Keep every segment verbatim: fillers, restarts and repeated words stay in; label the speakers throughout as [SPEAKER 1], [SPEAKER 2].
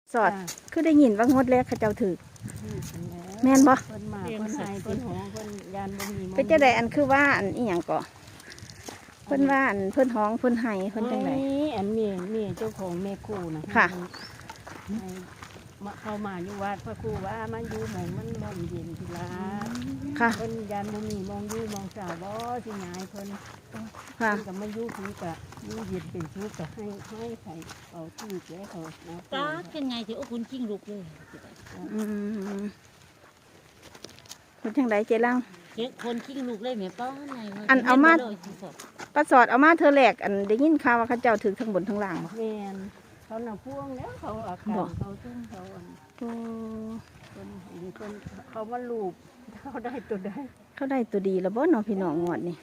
[SPEAKER 1] สอดคือได้ยินว่างดแรกเขาเจ้าถือแม่นบ่
[SPEAKER 2] เพิ่นมาเพิ่นหายเพิ่นหองเพิ่นยานบ่มี
[SPEAKER 1] เป็นจังไดอันคือว่าอันอีหยังก่อเพิ่นว่าอันเพิ่นห้องเพิ่นไห้เพิ่นจังได
[SPEAKER 2] อันเมียเมียเจ้าของแม่ครูนะ
[SPEAKER 1] ค่ะ
[SPEAKER 2] มาเข้ามาอยู่วัดพระครูว่ามันอยู่หม่องมันลมเย็นทีละ
[SPEAKER 1] ค่ะ
[SPEAKER 2] เพิ่นยานบ่มีมองอยู่มองสาวบ่สิหายเพิ่น
[SPEAKER 1] ค่ะ
[SPEAKER 2] เพิ่นก็มาอยู่คือกะอยู่เย็นเป็นสุขก็ให้ให้ใส่เอาที่แก้เขานะ
[SPEAKER 3] ตาเป็นไงที่โอ้คุณกิ้งลูกเลย
[SPEAKER 1] อืมเพิ่นจังไดเจ๊ลัง
[SPEAKER 3] เจ๊คนกิ้งลูกเลยแม่ป้าไง
[SPEAKER 1] อันเอามาปลาสอดเอามาเธอแหลกอันได้ยินข่าวว่าเขาเจ้าถือทั้งบนทั้งล่างบ่
[SPEAKER 2] แม่นเขาหน้าพ่วงแล้วเขาอาการเขาซุ่มเขาอัน
[SPEAKER 1] โอ้
[SPEAKER 2] คนคนเขาว่าลูกเขาได้ตัวได้
[SPEAKER 1] เขาได้ตัวดีแล้วบ่เนาะพี่น้องงวดนี่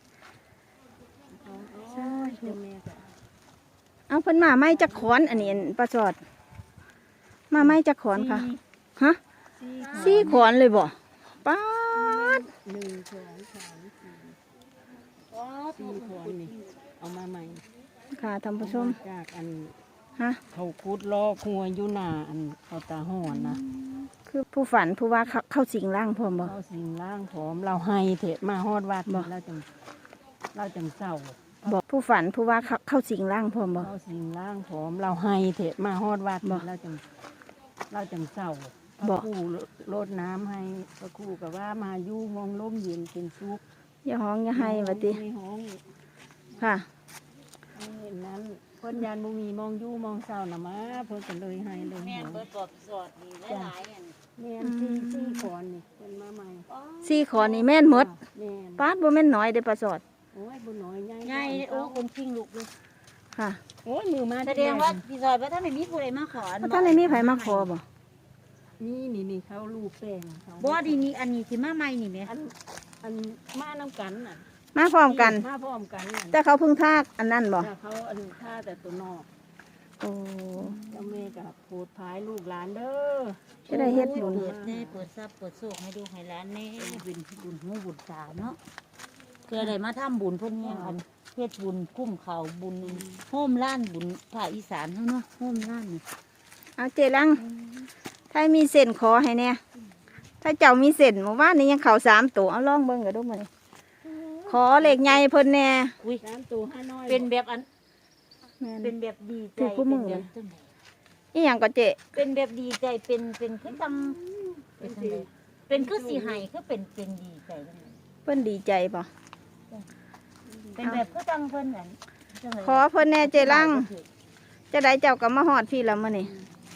[SPEAKER 2] ใช่
[SPEAKER 1] เอาเพิ่นมาไม้จักขอนอันนี้ปลาสอดมาไม้จักขอนค่ะฮะสี่ขอนเลยบ่ป๊าด
[SPEAKER 2] หนึ่งสองสามสี่สี่ขอนนี่เอามาใหม่
[SPEAKER 1] ค่ะท่านผู้ชม
[SPEAKER 2] จากอัน
[SPEAKER 1] ฮะ
[SPEAKER 2] เขาคุดลอกหัวอยู่หน้าอันเขาตาห่อนนะ
[SPEAKER 1] คือผู้ฝันผู้ว่าเข้าสิงร่างพร้อมบ่
[SPEAKER 2] เข้าสิงร่างพร้อมเราให้เถอะมาฮอดวัดบ่เราจังเราจังเศร้า
[SPEAKER 1] บอกผู้ฝันผู้ว่าเข้าสิงร่างพร้อมบ่
[SPEAKER 2] เข้าสิงร่างพร้อมเราให้เถอะมาฮอดวัดบ่เราจังเราจังเศร้าพระครูรดน้ำให้พระครูกับว่ามาอยู่มองล้มเย็นเป็นซุป
[SPEAKER 1] อย่าห้องอย่าให้วะติค่ะ
[SPEAKER 2] เห็นนั้นเพิ่นยานบุมีมองยู่มองเศร้านะมาเพิ่นก็เลยให้เลย
[SPEAKER 3] แม่เบิดกอบสอดนี่หลายๆอัน
[SPEAKER 2] แม่นสี่สี่ขอนนี่เพิ่นมาใหม่
[SPEAKER 1] สี่ขอนนี่แม่นหมดปาดบ่แม่นน้อยเด้อปลาสอด
[SPEAKER 2] โอ้ยบ่น้อยใหญ่
[SPEAKER 3] ใหญ่โอ้คนกิ้งลูกเลย
[SPEAKER 1] ค่ะ
[SPEAKER 2] โอ้ยมือมา
[SPEAKER 3] แสดงว่าพี่ซอยว่าถ้าไม่มีผู้ใดมาขอ
[SPEAKER 1] ถ้าไม่มีไผมาขอบ่
[SPEAKER 2] นี่นี่นี่เขาลูกแป้งเขา
[SPEAKER 3] บ่ดีนี่อันนี้สิมาใหม่นี่แม่
[SPEAKER 2] อันอันมาน้ำกันน่ะ
[SPEAKER 1] มาพร้อมกัน
[SPEAKER 2] มาพร้อมกัน
[SPEAKER 1] แต่เขาเพิ่งทากอันนั้นบ่
[SPEAKER 2] เขาอันท่าแต่ตัวนอก
[SPEAKER 1] โอ้
[SPEAKER 2] เจ้าแม่กับโพดพายลูกหลานเด้อ
[SPEAKER 1] จะได้เฮ็ดบุญ
[SPEAKER 3] เปิดแน่เปิดทรัพย์เปิดโชคให้ดูให้หลานแน่บุญบุญหูบุญตาเนาะเพื่อได้มาทำบุญเพิ่นเนี่ยอันเฮ็ดบุญคุ้มเขาบุญโฮมล้านบุญภาคอีสานเฮาเนาะโฮมล้าน
[SPEAKER 1] เอาเจลังถ้ามีเส้นขอให้แน่ถ้าเจ้ามีเส้นเมื่อวานนี้ยังเข่าสามตัวเอาลองเบิ่งก็ดูมื้อนี้ขอเหล็กใหญ่เพิ่นแน่
[SPEAKER 2] อุ้ยสามตัวห้าน้อย
[SPEAKER 3] เป็นแบบอันเป็นแบบดีใจ
[SPEAKER 1] เป็นแบบอีหยังก็เจ
[SPEAKER 3] เป็นแบบดีใจเป็นเป็นคือจำเป็นเป็นคือสีหายคือเป็นเป็นดีใจ
[SPEAKER 1] เพิ่นดีใจป่ะ
[SPEAKER 3] เป็นแบบคือจังเพิ่นนั่น
[SPEAKER 1] ขอเพิ่นแน่เจรังจะได้เจ้าก็มาฮอดพี่แล้วมื้อนี้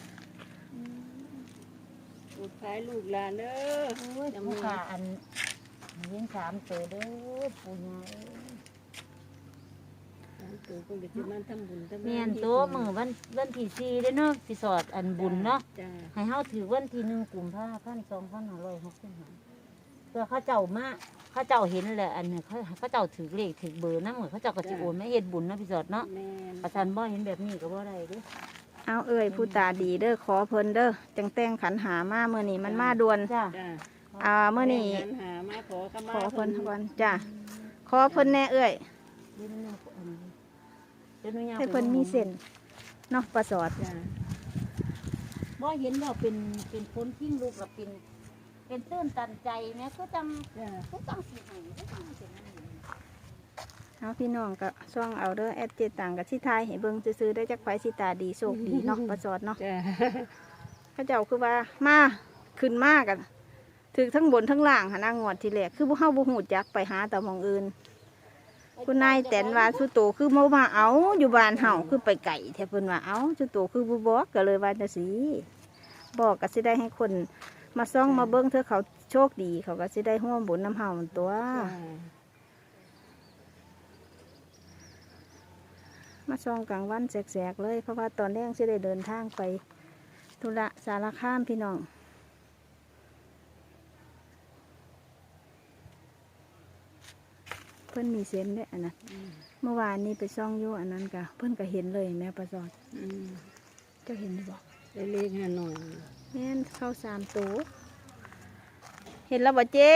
[SPEAKER 2] ลูกชายลูกหลานเด้อ
[SPEAKER 3] จะมาขาอันเลี้ยงสามตัวเด้อปู่ย่าเมียนตัวมือวันวันที่สี่ได้เนาะที่สอดอันบุญเนาะให้เฮาถือวันที่หนึ่งกุมภาพันธ์สองพันห้าร้อยหกสิบห้าเพื่อเขาเจ้ามาเขาเจ้าเห็นแหละอันนี้เขาเขาเจ้าถือเลขถือเบอร์นั่งเหมือนเขาเจ้าก็จะโอนไม่เห็นบุญนะพี่สอดเนาะประชันบ่เห็นแบบนี้ก็บ่ได้ดิ
[SPEAKER 1] เอาเอ้ยผู้ตาดีเด้อขอเพิ่นเด้อจังแต่งขันหามาเมื่อนี้มันมาด่วน
[SPEAKER 3] จ้า
[SPEAKER 1] อ่าเมื่อนี้ขอเพิ่นวันจ้าขอเพิ่นแน่เอ้ยให้เพิ่นมีเส้นเนาะปลาสอด
[SPEAKER 3] บ่เห็นว่าเป็นเป็นคนทิ้งลูกกับเป็นเป็นตื้นตันใจแม่ก็จำก็จำสิให้ก็จำเป็น
[SPEAKER 1] เอาพี่น้องก็ช่องเอาเด้อแอดเจต่างกับที่ไทยให้เบิ่งซื้อได้จากไฟสิตาดีโชคดีเนาะปลาสอดเนาะเขาเจ้าคือว่ามาขึ้นมากกันถือทั้งบนทั้งล่างหานางวดทีแรกคือพวกเข้าบุหูจักไปหาแต่มองอื่นคุณนายแตนว่าสุโตคือมาว่าเอาอยู่บ้านเฮาคือไปไก่แทบเพิ่นว่าเอาสุโตคือบุบอกก็เลยว่าจะสีบอกก็สิได้ให้คนมาซ่องมาเบิ้งเธอเขาโชคดีเขาก็สิได้ห่วงบุญน้ำเฮาตัวมาซ่องกลางวันแสกๆเลยเพราะว่าตอนแรกสิได้เดินทางไปธุระสารคามพี่น้องเพิ่นมีเส้นด้วยอันนั้นเมื่อวานนี้ไปซ่องอยู่อันนั้นกะเพิ่นก็เห็นเลยแม่ปลาสอดเจ้าเห็นหรือเปล่า
[SPEAKER 2] เล็กๆหน่อย
[SPEAKER 1] แม่นเข้าสามตัวเห็นแล้วบ่เจ๊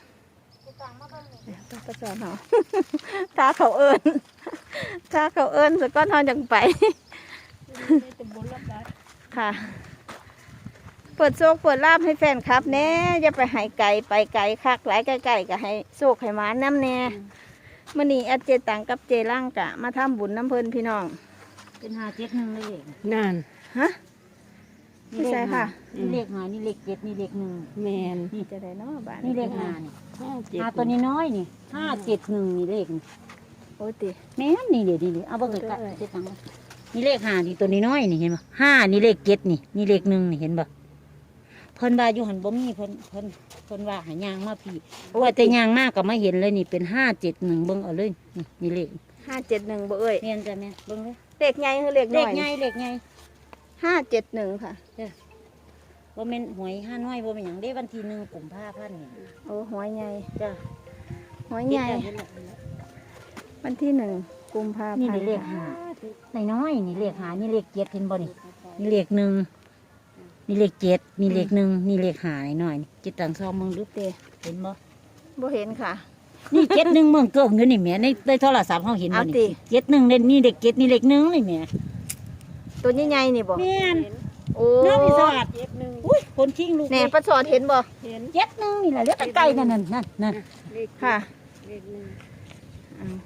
[SPEAKER 1] ปลาสอดเหรอถ้าเขาเอิญถ้าเขาเอิญสักก้อนทอนจังไปค่ะ เปิดโชคเปิดลาบให้แฟนคลับแน่อย่าไปใหายไก่ไปไก่คักหลายไก่ๆก็ให้โชคให้หมาน้ำแน่มื้อนี้แอดเจตังกับเจร่างกะมาทำบุญน้ำเพิ่นพี่น้อง
[SPEAKER 3] เป็นห้าเจ็ดหนึ่งเลย
[SPEAKER 2] นั่น
[SPEAKER 1] ฮะไม่ใช่ค่ะ
[SPEAKER 3] นี่เลขห้านี่เลขเจ็ดนี่เลขหนึ่ง
[SPEAKER 2] แมน
[SPEAKER 1] นี่จะได้เนาะบ้าน
[SPEAKER 3] นี่เลขห้านี่
[SPEAKER 2] ห้าเจ็ด
[SPEAKER 3] ห้าตัวนี้น้อยนี่ห้าเจ็ดหนึ่งนี่เลขนี่
[SPEAKER 1] โอ้ติ
[SPEAKER 3] แม่นนี่เดี๋ยวนี่นี่เอาเบิ่งกันเจ็ดตังค์นี่เลขห้านี่ตัวนี้น้อยนี่เห็นบ่ห้านี่เลขเจ็ดนี่นี่เลขหนึ่งนี่เห็นบ่เพิ่นว่าอยู่หันบ่มีเพิ่นเพิ่นเพิ่นว่าหายางมาพี่ว่าแต่ยางมากก็มาเห็นเลยนี่เป็นห้าเจ็ดหนึ่งเบิ่งเอาเลยนี่นี่เลข
[SPEAKER 1] ห้าเจ็ดหนึ่งบ่เอ้ย
[SPEAKER 3] แม่นจ้ะแม่นเบิ่งเลย
[SPEAKER 1] เลขใหญ่คือเลข
[SPEAKER 3] เล
[SPEAKER 1] น้อ
[SPEAKER 3] ข
[SPEAKER 1] ย
[SPEAKER 3] ใหญ่เลขใหญ่
[SPEAKER 1] ห้าเจ็ดหนึ่งค่ะ
[SPEAKER 3] บ่แม่นหวยห้าน้อยบ่แม่นหยังเด้วันที่หนึ่งกุมภาพันธ์นี่
[SPEAKER 1] โอ้หัวใหญ่
[SPEAKER 3] จ้ะ
[SPEAKER 1] หัวใหญ่วันที่หนึ่งกุมภาพันธ์
[SPEAKER 3] นี่เลขห้าน้อยๆนี่เลขห้านี่เลขเจ็ดเห็นบ่นี่นี่เลขหนึ่งนี่เลขเจ็ดนี่เลขหนึ่งนี่เลขห้าน้อยๆนี่จิตตังซองมึงดูเตเห็นบ่
[SPEAKER 1] บ่เห็นค่ะ
[SPEAKER 3] นี่เจ็ดหนึ่งเมืองเกิงอยู่นี่แหม่ในในโทรศัพท์เขาเห็นบ่
[SPEAKER 1] เอาติ
[SPEAKER 3] นี่เจ็ดหนึ่งนี่เลขเจ็ดนี่เลขหนึ่งนี่แหม่
[SPEAKER 1] ตัวใหญ่ๆนี่บ่
[SPEAKER 3] แม่น
[SPEAKER 1] โอ้
[SPEAKER 3] น้าพี่สวัสด
[SPEAKER 2] เจ็ดหนึ่ง
[SPEAKER 3] อุ้ยคนชิงลูก
[SPEAKER 1] แหน่ประสอดเห็นบ่
[SPEAKER 2] เห็น
[SPEAKER 3] เจ็ดหนึ่งนี่แหละเรียกใกล้ๆนั่นนั่นนั่นนั่น
[SPEAKER 2] เลข
[SPEAKER 1] ค่ะ
[SPEAKER 2] เลขหนึ่ง
[SPEAKER 1] อืม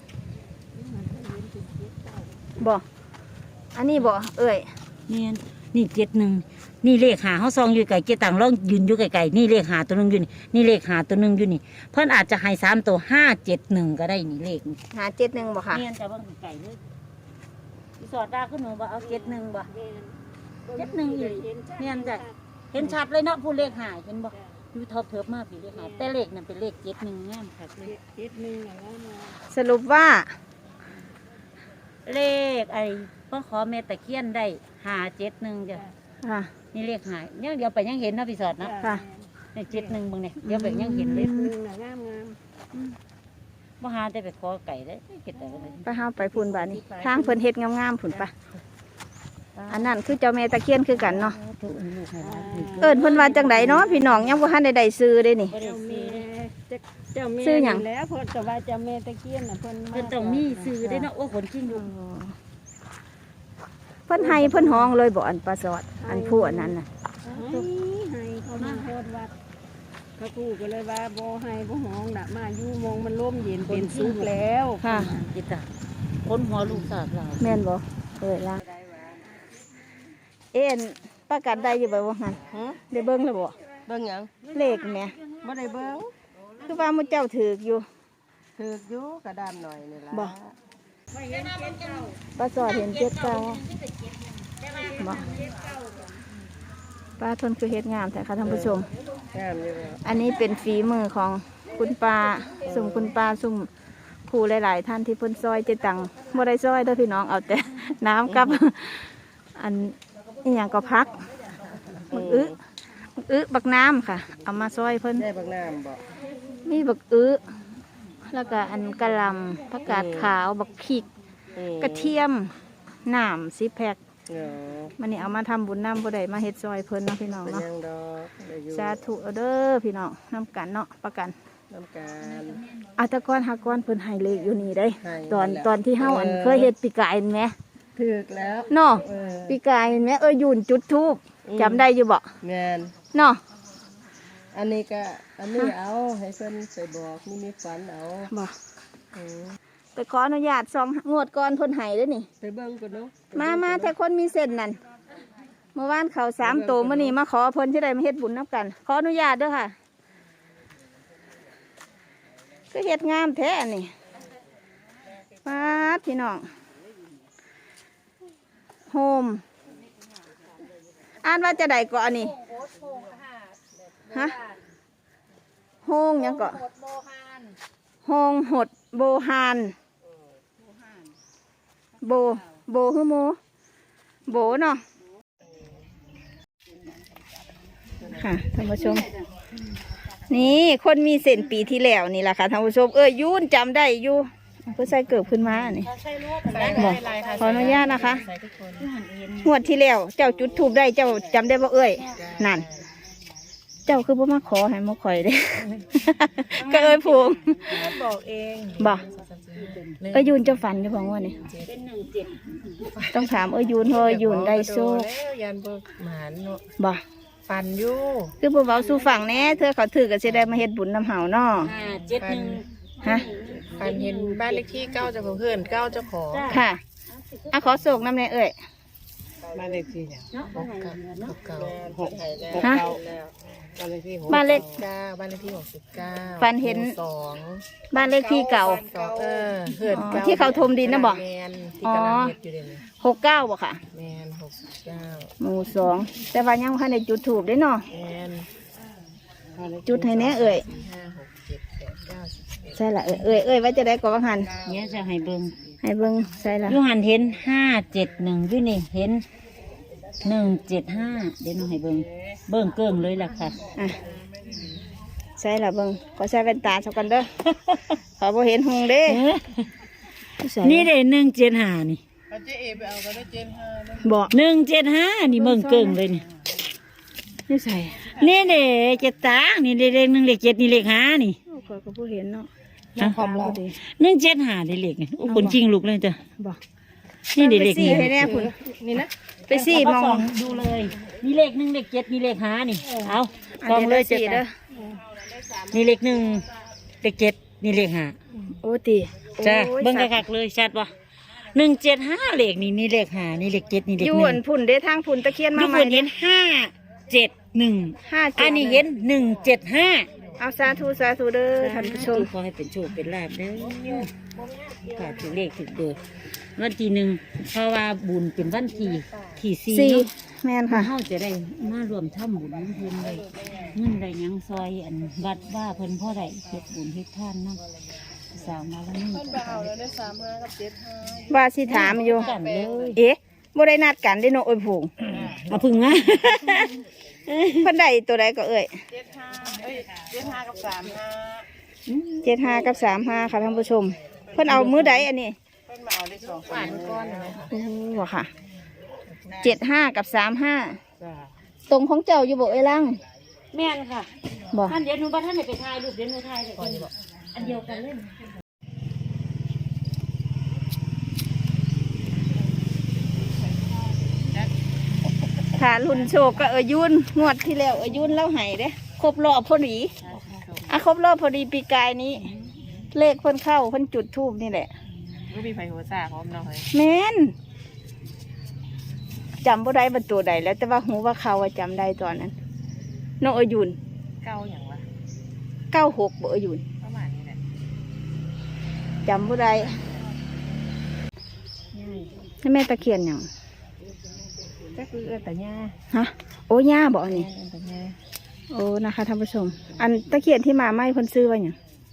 [SPEAKER 1] บ่อันนี้บ่เอ้ย
[SPEAKER 3] แม่นนี่เจ็ดหนึ่งนี่เลขหาเขาซองอยู่ไก่เจตังลองยืนอยู่ไกลๆนี่เลขหาตัวหนึงอยู่นี่นี่เลขหาตัวหนึงอยู่นี่เพิ่นอาจจะให้สามตัวห้าเจ็ดหนึ่งก็ได้นี่เลขนี่
[SPEAKER 1] หาเจ็ดหนึ่งบ่ค่ะ
[SPEAKER 3] เนียนจะเบิ่งไก่เลยพี่สอดดาขึ้นหนูบ่เอาเจ็ดหนึ่งบ่ เจ็ดหนึ่งอีกเนียนจ้ะเห็นชัดเลยเนาะผู้เลขหายเห็นบ่อยู่ทอบเทิบมากพี่เลขหายแต่เลขนั่นเป็นเลขเจ็ดหนึ่งงามค่ะเลย
[SPEAKER 2] เจ็ดหนึ่งอะไรมา
[SPEAKER 1] สรุปว่า
[SPEAKER 3] เลขไอ้พ่อขอเมตตะเคียนได้หาเจ็ดหนึ่งจ้ะ
[SPEAKER 1] ค่ะ
[SPEAKER 3] นี่เลขหายยังเดี๋ยวไปยังเห็นเนาะพี่สอดเนาะ
[SPEAKER 1] ค่ะ
[SPEAKER 3] นี่เจ็ดหนึ่งเบิ่งเนี่ยเดี๋ยวไปยังเห็นเล
[SPEAKER 2] เจ็
[SPEAKER 3] ย
[SPEAKER 2] ดหนึ่งน่ะงามงาม
[SPEAKER 3] บ่หาได้ไปขอไก่ได้เก็บแต่ก็ได้
[SPEAKER 1] ไปเฮาไปพุ่นบาดนี้ทางเพิ่นเฮ็ดงามๆพุ่นปะอันนั้นคือเจ้าแม่ตะเคียนคือกันเนาะ
[SPEAKER 3] ถูกลูกให้หลานถูก
[SPEAKER 1] เอิ้นเพิ่นว่าจังไดเนาะพี่น้องยังบ่ทันได้ได้ซื้อเด้นี่
[SPEAKER 3] บ่ได้
[SPEAKER 2] เจ้า
[SPEAKER 3] ซื้
[SPEAKER 2] แม่
[SPEAKER 3] อ
[SPEAKER 2] เจ้าแม่
[SPEAKER 1] ซื้อหยัง
[SPEAKER 2] แล้วเพิ่นก็ว่าเจ้าแม่ตะเคียนน่ะเพิ่น
[SPEAKER 3] เพิ่นต้องมีซื้อได้เนาะโอ้ขนจริงลูก
[SPEAKER 1] เพิ่นให้เพิ่นห้องเลยบ่อันปลาสอด อันผู้อันนั้นน่ะ
[SPEAKER 2] ให้ให้เขามาโทษวัดพระครูก็เลยว่าบ่ให้บ่ห้องน่ะมาอยู่มองมันร่มเย็นเป็นสุขแล้ว
[SPEAKER 1] ค่ะ
[SPEAKER 3] จิตตาคนหัวลูกสาดเรา
[SPEAKER 1] แม่นบ่เอ้ยล่ะเอ็นประกันได้อยู่บ่ว่าหั่น
[SPEAKER 2] ฮะ
[SPEAKER 1] ได้เบิ่งแล้วบ่
[SPEAKER 2] เบิ่งหยัง
[SPEAKER 1] เลขแหม่
[SPEAKER 2] บ่ได้เบิ่ง
[SPEAKER 1] คือว่ามื้อเจ้าถูกอยู่
[SPEAKER 2] ถูกอยู่กระดานหน่อยนี่ล่ะ
[SPEAKER 1] บ่ ปลาสอดเห็นเจ็ดเก้าบ่ปลาทนคือเฮ็ดงามแต่ค่ะท่านผู้ชม
[SPEAKER 2] งามอยู่แล้ว
[SPEAKER 1] อันนี้เป็นฝีมือของคุณปาสุ่มคุณปาสุ่มครูหลาย ๆ ท่านที่เพ่นซอยเจตังบ่ได้ซอยเด้อพี่น้องเอาแต่ น้ำกับ อันนี่อย่างก็พักบักอึบักอึบักน้ำค่ะ เอามาซอยเพิ่น
[SPEAKER 2] ได้บักน้ำบ่
[SPEAKER 1] มีบักอึแล้วก็อันกะหล่ำผักกาดขาวบักพริก
[SPEAKER 2] อืม
[SPEAKER 1] กระเทียมน้ำสิแพ็ค
[SPEAKER 2] เนาะ
[SPEAKER 1] มันนี่เอามาทำบุญน้ำบ่ได้มาเฮ็ดซอยเพิ่นเนาะพี่น้อง
[SPEAKER 2] เป็น
[SPEAKER 1] เนาะ
[SPEAKER 2] ยังดอกได้อยู่
[SPEAKER 1] สาธุเอาเด้อพี่น้องน้ำกันเนาะประกัน
[SPEAKER 2] น้ำการ
[SPEAKER 1] อาแตะกอนหากอนเพิ่นให้เลขอยู่นี่ได้
[SPEAKER 2] ให้
[SPEAKER 1] ตอน
[SPEAKER 2] แล้ว
[SPEAKER 1] ตอนที่เฮาอัน
[SPEAKER 2] เออ
[SPEAKER 1] เคยเฮ็ดปีกายเห็นไหม
[SPEAKER 2] ถูกแล้ว
[SPEAKER 1] เนาะ
[SPEAKER 2] เออ
[SPEAKER 1] ปีกายเห็นไหมเออยืนจุดทูบ
[SPEAKER 2] อืม
[SPEAKER 1] จำได้อยู่บ่
[SPEAKER 2] แม่น
[SPEAKER 1] เนาะ
[SPEAKER 2] อันนี้ก็อันนี้เอาให้เพิ่นไปบอกนี่มีฝันเอา
[SPEAKER 1] บ่
[SPEAKER 2] เออ
[SPEAKER 1] ไปขออนุญาตซองงวดก่อนเพิ่นให้เด้อนี่
[SPEAKER 2] ไปเบิ่งกันเนาะ
[SPEAKER 1] มามาแต่คนมีเส้นนั่นเมื่อวานเขาสามโตมื้อนี้มาขอเพิ่นที่ได้มาเฮ็ดบุญนํกัน ขออนุญาตเด้อค่ะก็เฮ็ดงามแท้อันนี่ปาดพี่น้องโฮมอ่านว่าจะได้ก่อนนี่ฮะโฮงหยังก่อโฮงหดโบฮานโบโบคือโมโบเนาะค่ะท่านผู้ชม นี่คนมีเส้นปีที่แล้วนี่แหละค่ะท่านผู้ชมเอ้ยยุ่นจำได้อยู่เพื่อใส่เกิบขึ้นมานี่บอกขออนุญาตนะคะงวดที่แล้วเจ้าจุดทูบได้เจ้าจำได้บ่เอ้ยนั่น เจ้าคือบ่มาขอให้มาข่อยเด้ ก็เอ้ยพวง
[SPEAKER 2] บอกเอง
[SPEAKER 1] บ่เอ้ยยูนจะฝันอยู่บ่งว่านี่
[SPEAKER 3] เป็นหนึ่งเจ็ด
[SPEAKER 1] ต้องถามเอ้ยยูนเพราะเอ้ยยูนได้โชค
[SPEAKER 4] แล้วยันบ่หมานเนาะ
[SPEAKER 1] บ่
[SPEAKER 4] ฟันอยู่
[SPEAKER 1] คือบ่เว้าสู่ฟังแหน่เธอเขาถือก็สิได้มาเฮ็ดบุญนำเฮาเนาะ
[SPEAKER 3] ห้าเจ็ดหนึ่ง
[SPEAKER 1] ฮะ
[SPEAKER 4] ฟันเห็นบ้านเลขที่เก้าเจ้าของเพื่อนเก้าเจ้าของ
[SPEAKER 1] ค่ะอ่ะขอโศกนำแน่เอ้ย
[SPEAKER 4] บ้านเลขที่เนี่ย
[SPEAKER 3] เนาะ
[SPEAKER 4] หกเก้าหกเก้าหก
[SPEAKER 1] ฮะ
[SPEAKER 4] บ้านเลขที่หก
[SPEAKER 1] บ้านเลข
[SPEAKER 4] เก้าบ้านเลขที่หกสิบเก้า
[SPEAKER 1] ฟันเห็น
[SPEAKER 4] หมู่สอง
[SPEAKER 1] บ้านเลขที่เก่า
[SPEAKER 4] สองเออเพื่อน
[SPEAKER 1] อ๋อ
[SPEAKER 4] เก้า
[SPEAKER 1] ที่เขาถมดินน่ะบ่
[SPEAKER 4] แมนที่กำลังเฮ็ดอยู่เดี๋ยวนี้
[SPEAKER 1] หกเก้าบ่ค่ะ
[SPEAKER 4] แมนหกสิบเก้า
[SPEAKER 1] หมู่สองแต่ว่ายังบ่ทันได้จุดธูปเด้เนาะ
[SPEAKER 4] แมน
[SPEAKER 1] จุดให้แน่เอ้ย
[SPEAKER 4] สี่ห้าหกเจ็ดแปดเก้าสิบเอ็ด
[SPEAKER 1] ใช่ละเอ้ยเอ้ยเอ้ยว่าจะได้ก็ว่าหัน
[SPEAKER 3] เนี่ยจะให้เบิ่ง
[SPEAKER 1] ให้เบิ่งใช่ละ
[SPEAKER 3] ยูหันเห็นห้าเจ็ดหนึ่งยูนี่เห็นหนึ่งเจ็ดห้าเดี๋ยวน้องให้เบิ่งเบิ่งเกิ้งเลยล่ะค่ะ
[SPEAKER 1] อ่ะใช่ละเบิ่งขอใส่แว่นตาสักกันเด้อ ขอบ่เห็นหงเด้ใส่
[SPEAKER 3] นี่เด้หนึ่งเจ็ดห้านี่
[SPEAKER 4] เอาเจ๊เอไปเอาก็ได้เจนห้านะ
[SPEAKER 1] บ่
[SPEAKER 3] หนึ่งเจ็ดห้านี่เบิ่งเกิ้งเลยนี่
[SPEAKER 1] นี่ใส่
[SPEAKER 3] นี่เด้เจ็ดตางนี่เลขหนึ่งเลขเจ็ดนี่เลขห้านี่
[SPEAKER 1] โอ้ขอยก็บ่เห็นเนาะ
[SPEAKER 3] ฮะ
[SPEAKER 1] ความเราดี
[SPEAKER 3] หนึ่งเจ็ดห้าได้เลขนี่โอ้คนจริงลูกเลยจ้ะ
[SPEAKER 1] บ่
[SPEAKER 3] นี่ได้เลข
[SPEAKER 1] ไปสี่
[SPEAKER 3] นี่
[SPEAKER 1] ให้แน่พุ่นนี่นะไปสี่มอง
[SPEAKER 3] ดูเลยนี่เลขหนึ่งเลขเจ็ดนี่เลขห้านี่เอา
[SPEAKER 1] อัน
[SPEAKER 3] กอง
[SPEAKER 1] นี้
[SPEAKER 3] เล
[SPEAKER 1] เลย ย
[SPEAKER 3] เจ็ด
[SPEAKER 1] สี่เด้อ
[SPEAKER 3] นี่เลขหนึ่งเลขเจ็ดนี่เลขห้า
[SPEAKER 1] โอ้ติโอ้ย
[SPEAKER 3] จ้ะเบิ่ง
[SPEAKER 1] สัตว์
[SPEAKER 3] คักๆเลยชัดปะหนึ่งเจ็ดห้าเลขนี่นี่เลขห้านี่เลขเจ็ดนี่เลข
[SPEAKER 1] อ
[SPEAKER 3] ห
[SPEAKER 1] ยู่
[SPEAKER 3] นึ่
[SPEAKER 1] อั
[SPEAKER 3] ง
[SPEAKER 1] นพุ่นเด้ทางพุ่นตะเคียนมา
[SPEAKER 3] ทุก
[SPEAKER 1] ให
[SPEAKER 3] ค
[SPEAKER 1] ม่
[SPEAKER 3] นเห็นห้าเจ็ดหนึ่ง
[SPEAKER 1] ห้าเจ็ด
[SPEAKER 3] อันนี้เห็นหนึ่งเจ็ดห้า
[SPEAKER 1] เอาสาธุสาธุเด้อท่านผู้ชม
[SPEAKER 3] ขอให้เป็นโชคเป็นลาภเด้อค่ะถึงเลขถึงเบอร์วันที่หนึ่งเพราะว่าบุญเป็นวันที่ที่สี่
[SPEAKER 1] สี่
[SPEAKER 3] เนาะ
[SPEAKER 1] แม่นค่ะ
[SPEAKER 3] เฮาจะได้มารวมทำบุญน้ำเพิ่นได้เงินได้หยังซอยอันวัดว่าเพิ่นพ่อได้เฮ็ดบุญเฮ็ดทานนำสาวมาแล้วนี่
[SPEAKER 4] ไปเอาแล้วได้สามห้ากับเจ็ดห้า
[SPEAKER 1] ว่าสิถามอยู่
[SPEAKER 3] กันเลย
[SPEAKER 1] เอ๊ะบ่ได้นัดกันได้เนาะโอ้ยผง
[SPEAKER 3] เอาพึ่งมา
[SPEAKER 1] เพิ่นได้ตัวใดก็เอ่ย
[SPEAKER 4] เจ็ดห้าเอ้ยเจ็ดห้ากับสามห้า
[SPEAKER 1] เจ็ดห้ากับสามห้าค่ะท่านผู้ชม เพิ่นเอามือใดอันนี้
[SPEAKER 4] เพิ่นมาเอาได้สองฝันก้อนเลย
[SPEAKER 1] โอ้โหค่ะเจ็ดห้ากับสามห้า
[SPEAKER 4] จ้า
[SPEAKER 1] ตรงของเจ้าอยู่บ่เอ้ยลัง
[SPEAKER 3] แม่นค่ะ
[SPEAKER 1] บ่
[SPEAKER 3] ท่านเดี๋ยวหนูบ่ท่านได้ไปถ่ายรูปเดี๋ยวหนูถ่ายเดี๋ยวคนบอกอันเดียวกันเลย
[SPEAKER 1] ค่ะรุ่นโชคก็เอ้ยยุนงวดที่แล้วเอ้ยยุนเล่าให้เด้ครบรอบพอดีอ่ะครบรอบพอดีปีกายนี้ เลขเพิ่นเข้าเพิ่นจุดทูบนี่แหละ
[SPEAKER 4] ไม่มีไฟหัวซ่าพร้อมเนาะเฮ้ย
[SPEAKER 1] แม่นจำบ่ได้เป็นตัวใดแล้วแต่ว่าหูว่าเขาอะจำได้ตอนนั้นน้องเอ้ยยุน
[SPEAKER 4] เก้าอย่างวะ
[SPEAKER 1] เก้าหกบ่เอ้ยยุน
[SPEAKER 4] ประมาณนี้แหละ
[SPEAKER 1] จำบ่ได้ให้แม่ตะเคียนหยัง
[SPEAKER 4] ก็คือเออแต่ย่า
[SPEAKER 1] ฮะโอ้ย่าบอกอันนี้
[SPEAKER 4] เออแต่ย่า
[SPEAKER 1] โอ้นะคะท่านผู้ชม อันตะเคียนที่มาไหมเพิ่นซื้อไว้หยัง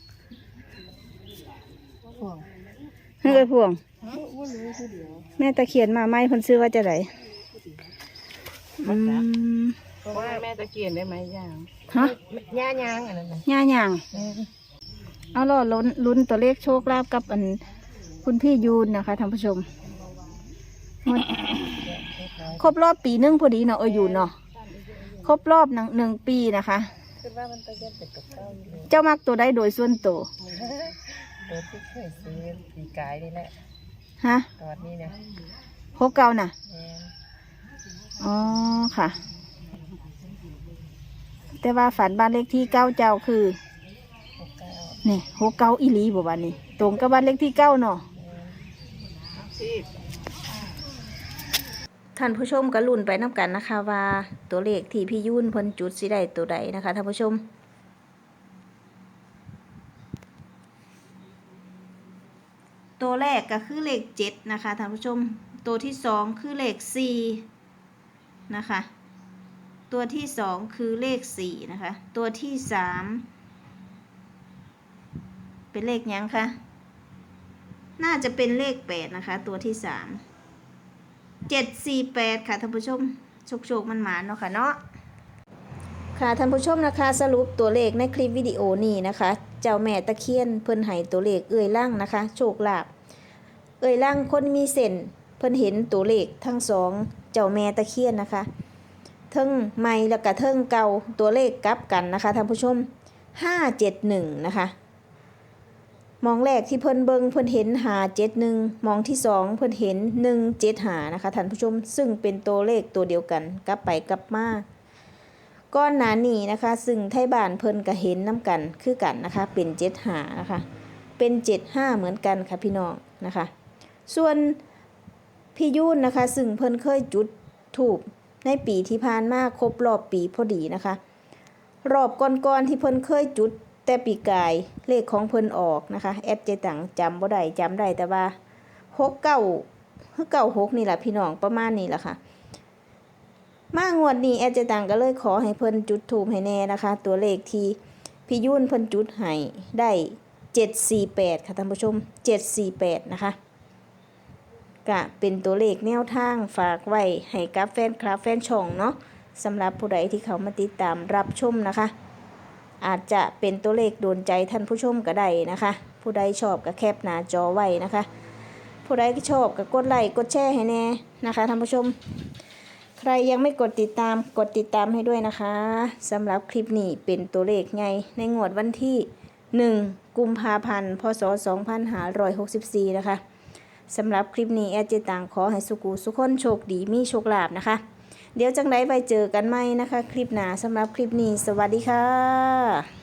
[SPEAKER 4] ห่วง
[SPEAKER 1] เฮ้ยพวง แม่ตะเคียนมาไหมเพิ่นซื้อว่าจะไดอืม
[SPEAKER 4] เพราะว่าแม่ตะเกียนได้ไหมย่าง
[SPEAKER 1] ฮะ
[SPEAKER 4] ย่ายางอันนั้นนะ
[SPEAKER 1] ย่าหยังเอาล่อลุ้นลุ้นตัวเลขโชคลาภกับอันคุณพี่ยูนนะคะท่านผู้ชมมันครบรอบปีหนึงพอดีเนาะเออยูนเนาะครบรอบหนึ่งหนึ่งปีนะคะ
[SPEAKER 4] คือว่ามันตะเกียนเป็ดกับเก้าอยู่เลย
[SPEAKER 1] เจ้ามักตัวใดโดยส่วนตัว
[SPEAKER 4] ตัวที่เคยซื้อปีกายนี่แหละ
[SPEAKER 1] ฮะ
[SPEAKER 4] ตอนนี้เนี่ย
[SPEAKER 1] หกเก้าน่ะ
[SPEAKER 4] แม่
[SPEAKER 1] อ๋อค่ะ แต่ว่าฝันบ้านเลขที่เก้าเจ้าคือ
[SPEAKER 4] หกเก้า
[SPEAKER 1] นี่หกเก้าอีหลีบ่บ้านนี้ ตรงกับบ้านเลขที่เก้าเนาะ
[SPEAKER 4] ชีพ
[SPEAKER 1] ท่านผู้ชมก็ลุ้นไปน้ำกันนะคะว่าตัวเลขที่พี่ยุ่นเพ้นจุดสิได้ตัวใดนะคะท่านผู้ชม ตัวแรกก็คือเลขเจ็ดนะคะท่านผู้ชม ตัวที่สองคือเลขสี่นะคะ ตัวที่สองคือเลขสี่นะคะ ตัวที่สามเป็นเลขหยังคะน่าจะเป็นเลขแปดนะคะ ตัวที่สามเจ็ดสี่แปดค่ะท่านผู้ชมโชคโชคมันหมานเนาะค่ะเนาะค่ะท่านผู้ชมนะคะสรุปตัวเลขในคลิปวิดีโอนี้นะคะ เจ้าแม่ตะเคียนเพิ่นให้ตัวเลขเอ่ยล่างนะคะ โชคลาภเอ่ยล่างคนมีเส้นเพิ่นเห็นตัวเลขทั้งสองเจ้าแม่ตะเคียนนะคะเทิงใหม่แล้วก็เทิงเก่าตัวเลขกลับกันนะคะท่านผู้ชมห้าเจ็ดหนึ่งนะคะมองแรกที่เพิ่นเบิงเพิ่นเห็นหาเจ็ดหนึ่งมองที่สองเพิ่นเห็นหนึ่งเจ็ดหานะคะท่านผู้ชมซึ่งเป็นตัวเลขตัวเดียวกันกลับไปกลับมาก้อนหนานี่นะคะซึ่งไทยบ้านเพิ่นก็เห็นน้ำกันคือกันนะคะเป็นเจ็ดหานะคะเป็นเจ็ดห้าเหมือนกันค่ะพี่น้องนะคะส่วนพี่ยุ่นนะคะซึ่งเพิ่นเคยจุดธูปในปีที่ผ่านมาครบรอบปีพอดีนะคะรอบก่อนๆที่เพิ่นเคยจุดแต่ปีกายเลขของเพิ่นออกนะคะแอดเจตังจำบ่ได้จำได้แต่ว่าหกเก้าคือเก้าหกนี่แหละพี่น้องประมาณนี้แหละค่ะมางวดนี้แอดเจตังก็เลยขอให้เพิ่นจุดธูปให้แน่นะคะตัวเลขที่พี่ยุ่นเพิ่นจุดให้ได้เจ็ดสี่แปดค่ะท่านผู้ชมเจ็ดสี่แปดนะคะก็เป็นตัวเลขแนวทางฝากไว้ให้กับแฟนคลับแฟนช่องเนาะสำหรับผู้ใดที่เขามาติดตามรับชมนะคะอาจจะเป็นตัวเลขโดนใจท่านผู้ชมก็ได้นะคะผู้ใดชอบก็แคปหน้าจอไว้นะคะผู้ใดชอบก็กดไลค์กดแชร์ให้แน่นะคะท่านผู้ชมใครยังไม่กดติดตามกดติดตามให้ด้วยนะคะสำหรับคลิปนี้เป็นตัวเลขไงในงวดวันที่หนึ่งกุมภาพันธ์พศสองพันห้าร้อยหกสิบสี่นะคะสำหรับคลิปนี้แอดเจตังขอให้สุกูสุขคนโชคดีมีโชคลาภนะคะเดี๋ยวจังไดไปเจอกันใหม่นะคะคลิปหน้าสำหรับคลิปนี้สวัสดีค่ะ